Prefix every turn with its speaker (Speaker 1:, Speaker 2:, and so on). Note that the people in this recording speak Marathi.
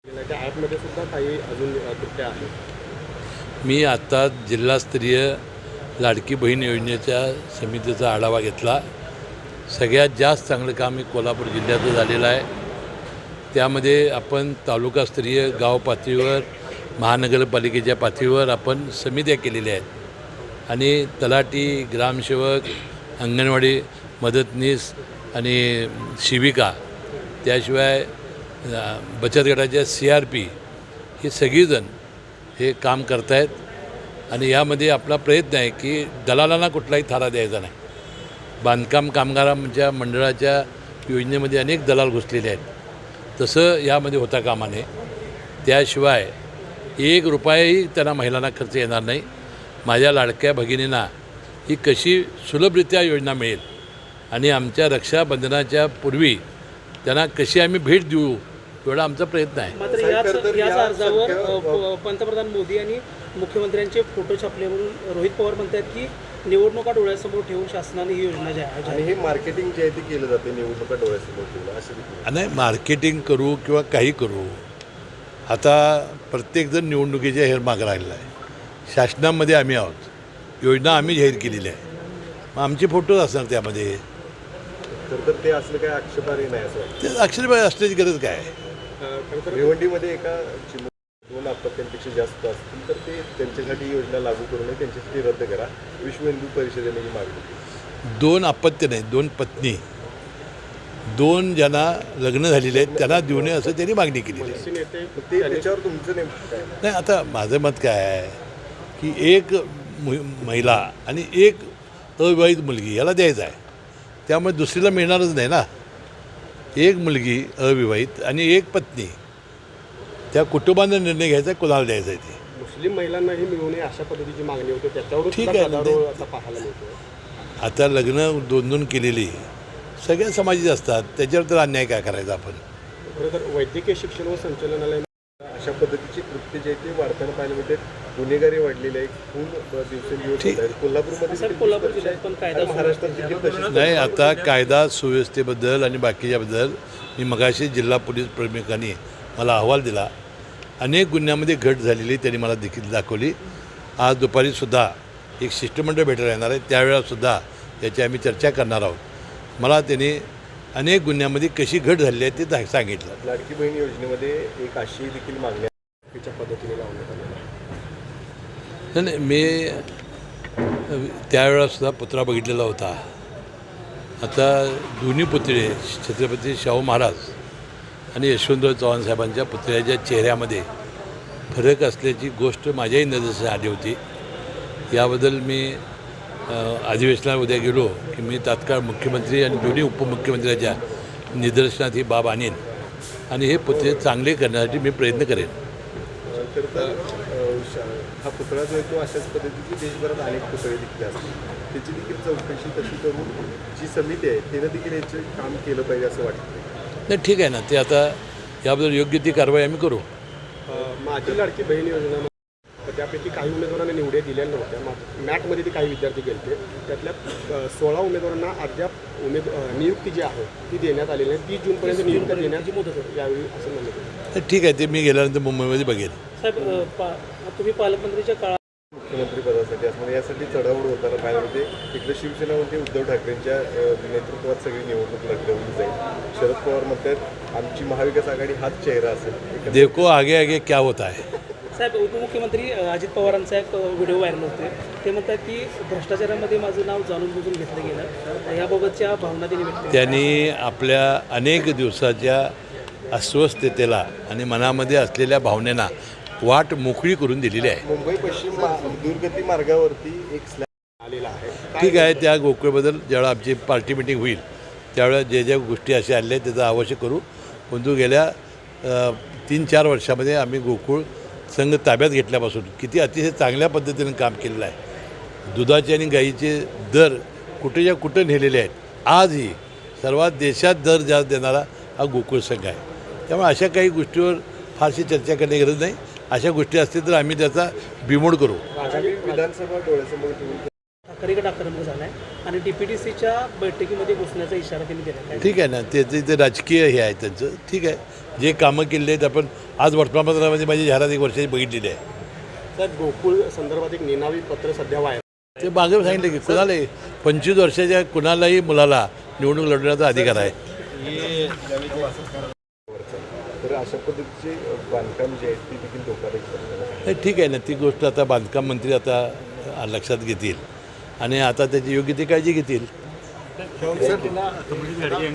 Speaker 1: त्या ॲपमध्ये सुद्धा काही अजून त्रुट्या आहेत.
Speaker 2: मी आत्ता जिल्हास्तरीय लाडकी बहीण योजनेच्या समितीचा आढावा घेतला. सगळ्यात जास्त चांगलं काम हे कोल्हापूर जिल्ह्याचं झालेलं आहे. त्यामध्ये आपण तालुकास्तरीय गाव पातळीवर महानगरपालिकेच्या पातळीवर आपण समित्या केलेल्या आहेत आणि तलाठी, ग्रामसेवक, अंगणवाडी मदतनीस आणि शिविका, त्याशिवाय बचत गटाच्या CRP ही सगळीजण हे काम करत आहेत. आणि यामध्ये आपला प्रयत्न आहे की दलालांना कुठलाही थारा द्यायचा नाही. बांधकाम कामगारांच्या मंडळाच्या योजनेमध्ये अनेक दलाल घुसलेले आहेत, तसं यामध्ये होता कामा नये. त्याशिवाय 1 रुपयाही त्यांना महिलांना खर्च येणार नाही. माझ्या लाडक्या भगिनींना ही कशी सुलभरित्या योजना मिळेल आणि आमच्या रक्षाबंधनाच्या पूर्वी त्यांना कशी आम्ही भेट देऊ एवढा आमचा प्रयत्न आहे.
Speaker 3: मात्र याच अर्जावर पंतप्रधान मोदी आणि मुख्यमंत्र्यांचे फोटो छापले म्हणून रोहित पवार म्हणतात की निवडणुका डोळ्यासमोर ठेवून शासनाने ही योजना जी आहे
Speaker 1: आणि हे मार्केटिंग जे आहे ते केलं जाते निवडणुका डोळ्यासमोर ठेवून असं
Speaker 2: नाही, मार्केटिंग करू किंवा काही करू, आता प्रत्येकजण निवडणुकीच्या हेरमाग राहिलेला आहे. शासनामध्ये आम्ही आहोत, योजना आम्ही जाहीर केलेली आहे, मग आमचे फोटोज असणार त्यामध्ये.
Speaker 1: तर ते असलं काय आक्षेपार्ह नाही असं वाटतं.
Speaker 2: ते अक्षरशः असण्याची गरज काय आहे?
Speaker 1: भिवंडीमध्ये एका 2 अपत्यांपेक्षा जास्त असतील तर ते त्यांच्यासाठी योजना लागू करू नये, त्यांच्यासाठी रद्द करा. विश्व हिंदू परिषदेने ही मागणी केली.
Speaker 2: 2 अपत्य नाही, 2 पत्नी, 2 ज्यांना लग्न झालेले आहेत त्यांना देऊ नये असं त्यांनी मागणी केलेली आहे.
Speaker 1: ते त्याच्यावर तुमचं नेमकं काय?
Speaker 2: नाही, आता माझं मत काय आहे की एक महिला आणि एक अविवाहित मुलगी याला द्यायचं आहे, त्यामुळे दुसरीला मिळणारच नाही ना. एक मुलगी अविवाहित आणि एक पत्नी, त्या कुटुंबाने निर्णय घ्यायचा कोणाला द्यायचा आहे ते.
Speaker 1: मुस्लिम महिलांनाही मिळू नये अशा पद्धतीची मागणी होते, त्याच्यावर
Speaker 2: ठीक आहे ना ते.
Speaker 1: आता पाहायला मिळतो.
Speaker 2: आता लग्न 2-2 केलेली सगळ्या समाजाची असतात, त्याच्यावर तर अन्याय काय करायचा आपण.
Speaker 1: खरं तर वैद्यकीय शिक्षण व संचालनालय अशा पद्धतीची कृत्य जे आहे ते वाढताना पाहायला मिळते. गुन्हेगारी वाढलेली आहे, खून दिवसेंदिवस होत आहेत. कोल्हापूर जिल्ह्यात पण कायदा महाराष्ट्रात देखील तशीच
Speaker 2: नाही, आता कायदा सुव्यवस्थेबद्दल आणि बाकीच्याबद्दल मी मगाशी जिल्हा पोलीस प्रमुखांनी मला अहवाल दिला. अनेक गुन्ह्यामध्ये घट झालेली त्यांनी मला देखील दाखवली. आज दुपारीसुद्धा एक शिष्टमंडळ भेटायला येणार आहे, त्यावेळेलासुद्धा याची आम्ही चर्चा करणार आहोत. मला त्यांनी अनेक गुन्ह्यामध्ये कशी घट झालेली आहे ते सांगितलं.
Speaker 1: लाडकी बहीण योजनेमध्ये एक अशी देखील मागणी त्याच्या पद्धतीने लावण्यात आलेली आहे.
Speaker 2: नाही, मी त्यावेळेलासुद्धा पुतळा बघितलेला होता. आता दोन्ही पुतळे छत्रपती शाहू महाराज आणि यशवंतराव चव्हाण साहेबांच्या पुतळ्याच्या चेहऱ्यामध्ये फरक असल्याची गोष्ट माझ्याही नजरेस आली होती. याबद्दल मी अधिवेशनाला उद्या गेलो की मी तात्काळ मुख्यमंत्री आणि दोन्ही उपमुख्यमंत्र्यांच्या निदर्शनात ही बाब आणीन आणि हे पुतळे चांगले करण्यासाठी मी प्रयत्न करेन.
Speaker 1: तर हा पुतळा जो आहे तो अशाच पद्धतीची देशभरात अनेक पुतळे देखील असतात, त्याची देखील चौकशी कशी करून जी समिती आहे तिनं देखील याचं काम केलं पाहिजे असं वाटतं.
Speaker 2: नाही, ठीक आहे ना, ते आता याबद्दल योग्य ती कारवाई आम्ही करू.
Speaker 1: माझी लाडकी बहीण योजना त्यापैकी काही उमेदवारांना निवडे दिलेल्या नव्हत्या. मॅटमध्ये ते काही विद्यार्थी गेले, त्यातल्या 16 उमेदवारांना अद्याप नियुक्ती जी आहे ती देण्यात आलेली नाही. 30 जूनपर्यंत नियुक्ती देण्याची मुदत होती यावेळी असं म्हणलं.
Speaker 2: ठीक आहे, ते मी गेल्यानंतर मुंबईमध्ये बघेन.
Speaker 3: साहेब, तुम्ही पालकमंत्रीच्या काळात
Speaker 1: मुख्यमंत्री पदासाठी असणार यासाठी चढावड होताना पाहिजे होते. इकडे शिवसेना म्हणते उद्धव ठाकरेंच्या नेतृत्वात सगळी निवडणूक लढवली जाईल. शरद पवार म्हणतात आमची महाविकास आघाडी हाच चेहरा असेल. देखो
Speaker 2: आगे आगे क्या होता है.
Speaker 3: साहेब, उपमुख्यमंत्री अजित पवारांचा एक व्हिडिओ व्हायरल होते. ते म्हणतात की भ्रष्टाचारामध्ये माझं नाव जाणून बुजून घेतलं गेलं, याबाबतच्या भावना त्यांनी व्यक्त केल्या.
Speaker 2: त्यांनी आपल्या अनेक दिवसाच्या अस्वस्थतेला आणि मनामध्ये असलेल्या भावनेला वाट मोकळी करून दिलेली आहे.
Speaker 1: मुंबई पश्चिम दुर्गती मार्गावरती एक स्लॅब आलेला आहे.
Speaker 2: ठीक आहे, त्या गोकुळबद्दल ज्यावेळेला आमची पार्टी मिटिंग होईल त्यावेळेला ज्या गोष्टी अशा आल्या आहेत त्याचा आवश्यक करू. परंतु गेल्या 3-4 वर्षामध्ये आम्ही गोकुळ संघ ताब्यात घेतल्यापासून किती अतिशय चांगल्या पद्धतीनं काम केलेलं आहे. दुधाचे आणि गाईचे दर कुठेच्या कुठं नेलेले आहेत. आजही सर्वात देशात दर जास्त देणारा हा गोकुळ संघ आहे. त्यामुळे अशा काही गोष्टीवर फारशी चर्चा करण्याची गरज नाही. अशा गोष्टी असतील तर आम्ही त्याचा बिमोड करू.
Speaker 1: विधानसभा डोळ्यासमोर ठेवून
Speaker 3: ठाकरेगड आक्रमक झाला आहे आणि DPTCच्या बैठकीमध्ये घुसण्याचा इशारा त्यांनी दिला.
Speaker 2: ठीक आहे ना, ते राजकीय हे आहे त्यांचं. ठीक आहे, जे कामं केलेली आहेत आपण आज वर्तमानपत्रामध्ये माझी जाहिरात 1 वर्षाची बघितलेली आहे.
Speaker 1: साहेब, गोकुळ संदर्भात एक निनावी पत्र सध्या व्हायरल.
Speaker 2: ते मागे सांगितलं की कुणालाही 25 वर्षाच्या कुणालाही मुलाला निवडणूक लढवण्याचा अधिकार आहे.
Speaker 4: तर अशा पद्धतीचे बांधकाम जे आहेत ती देखील धोकादायक.
Speaker 2: हे ठीक आहे ना, ती गोष्ट आता बांधकाम मंत्री आता लक्षात घेतील आणि आता त्याची योग्य ती काळजी घेतील.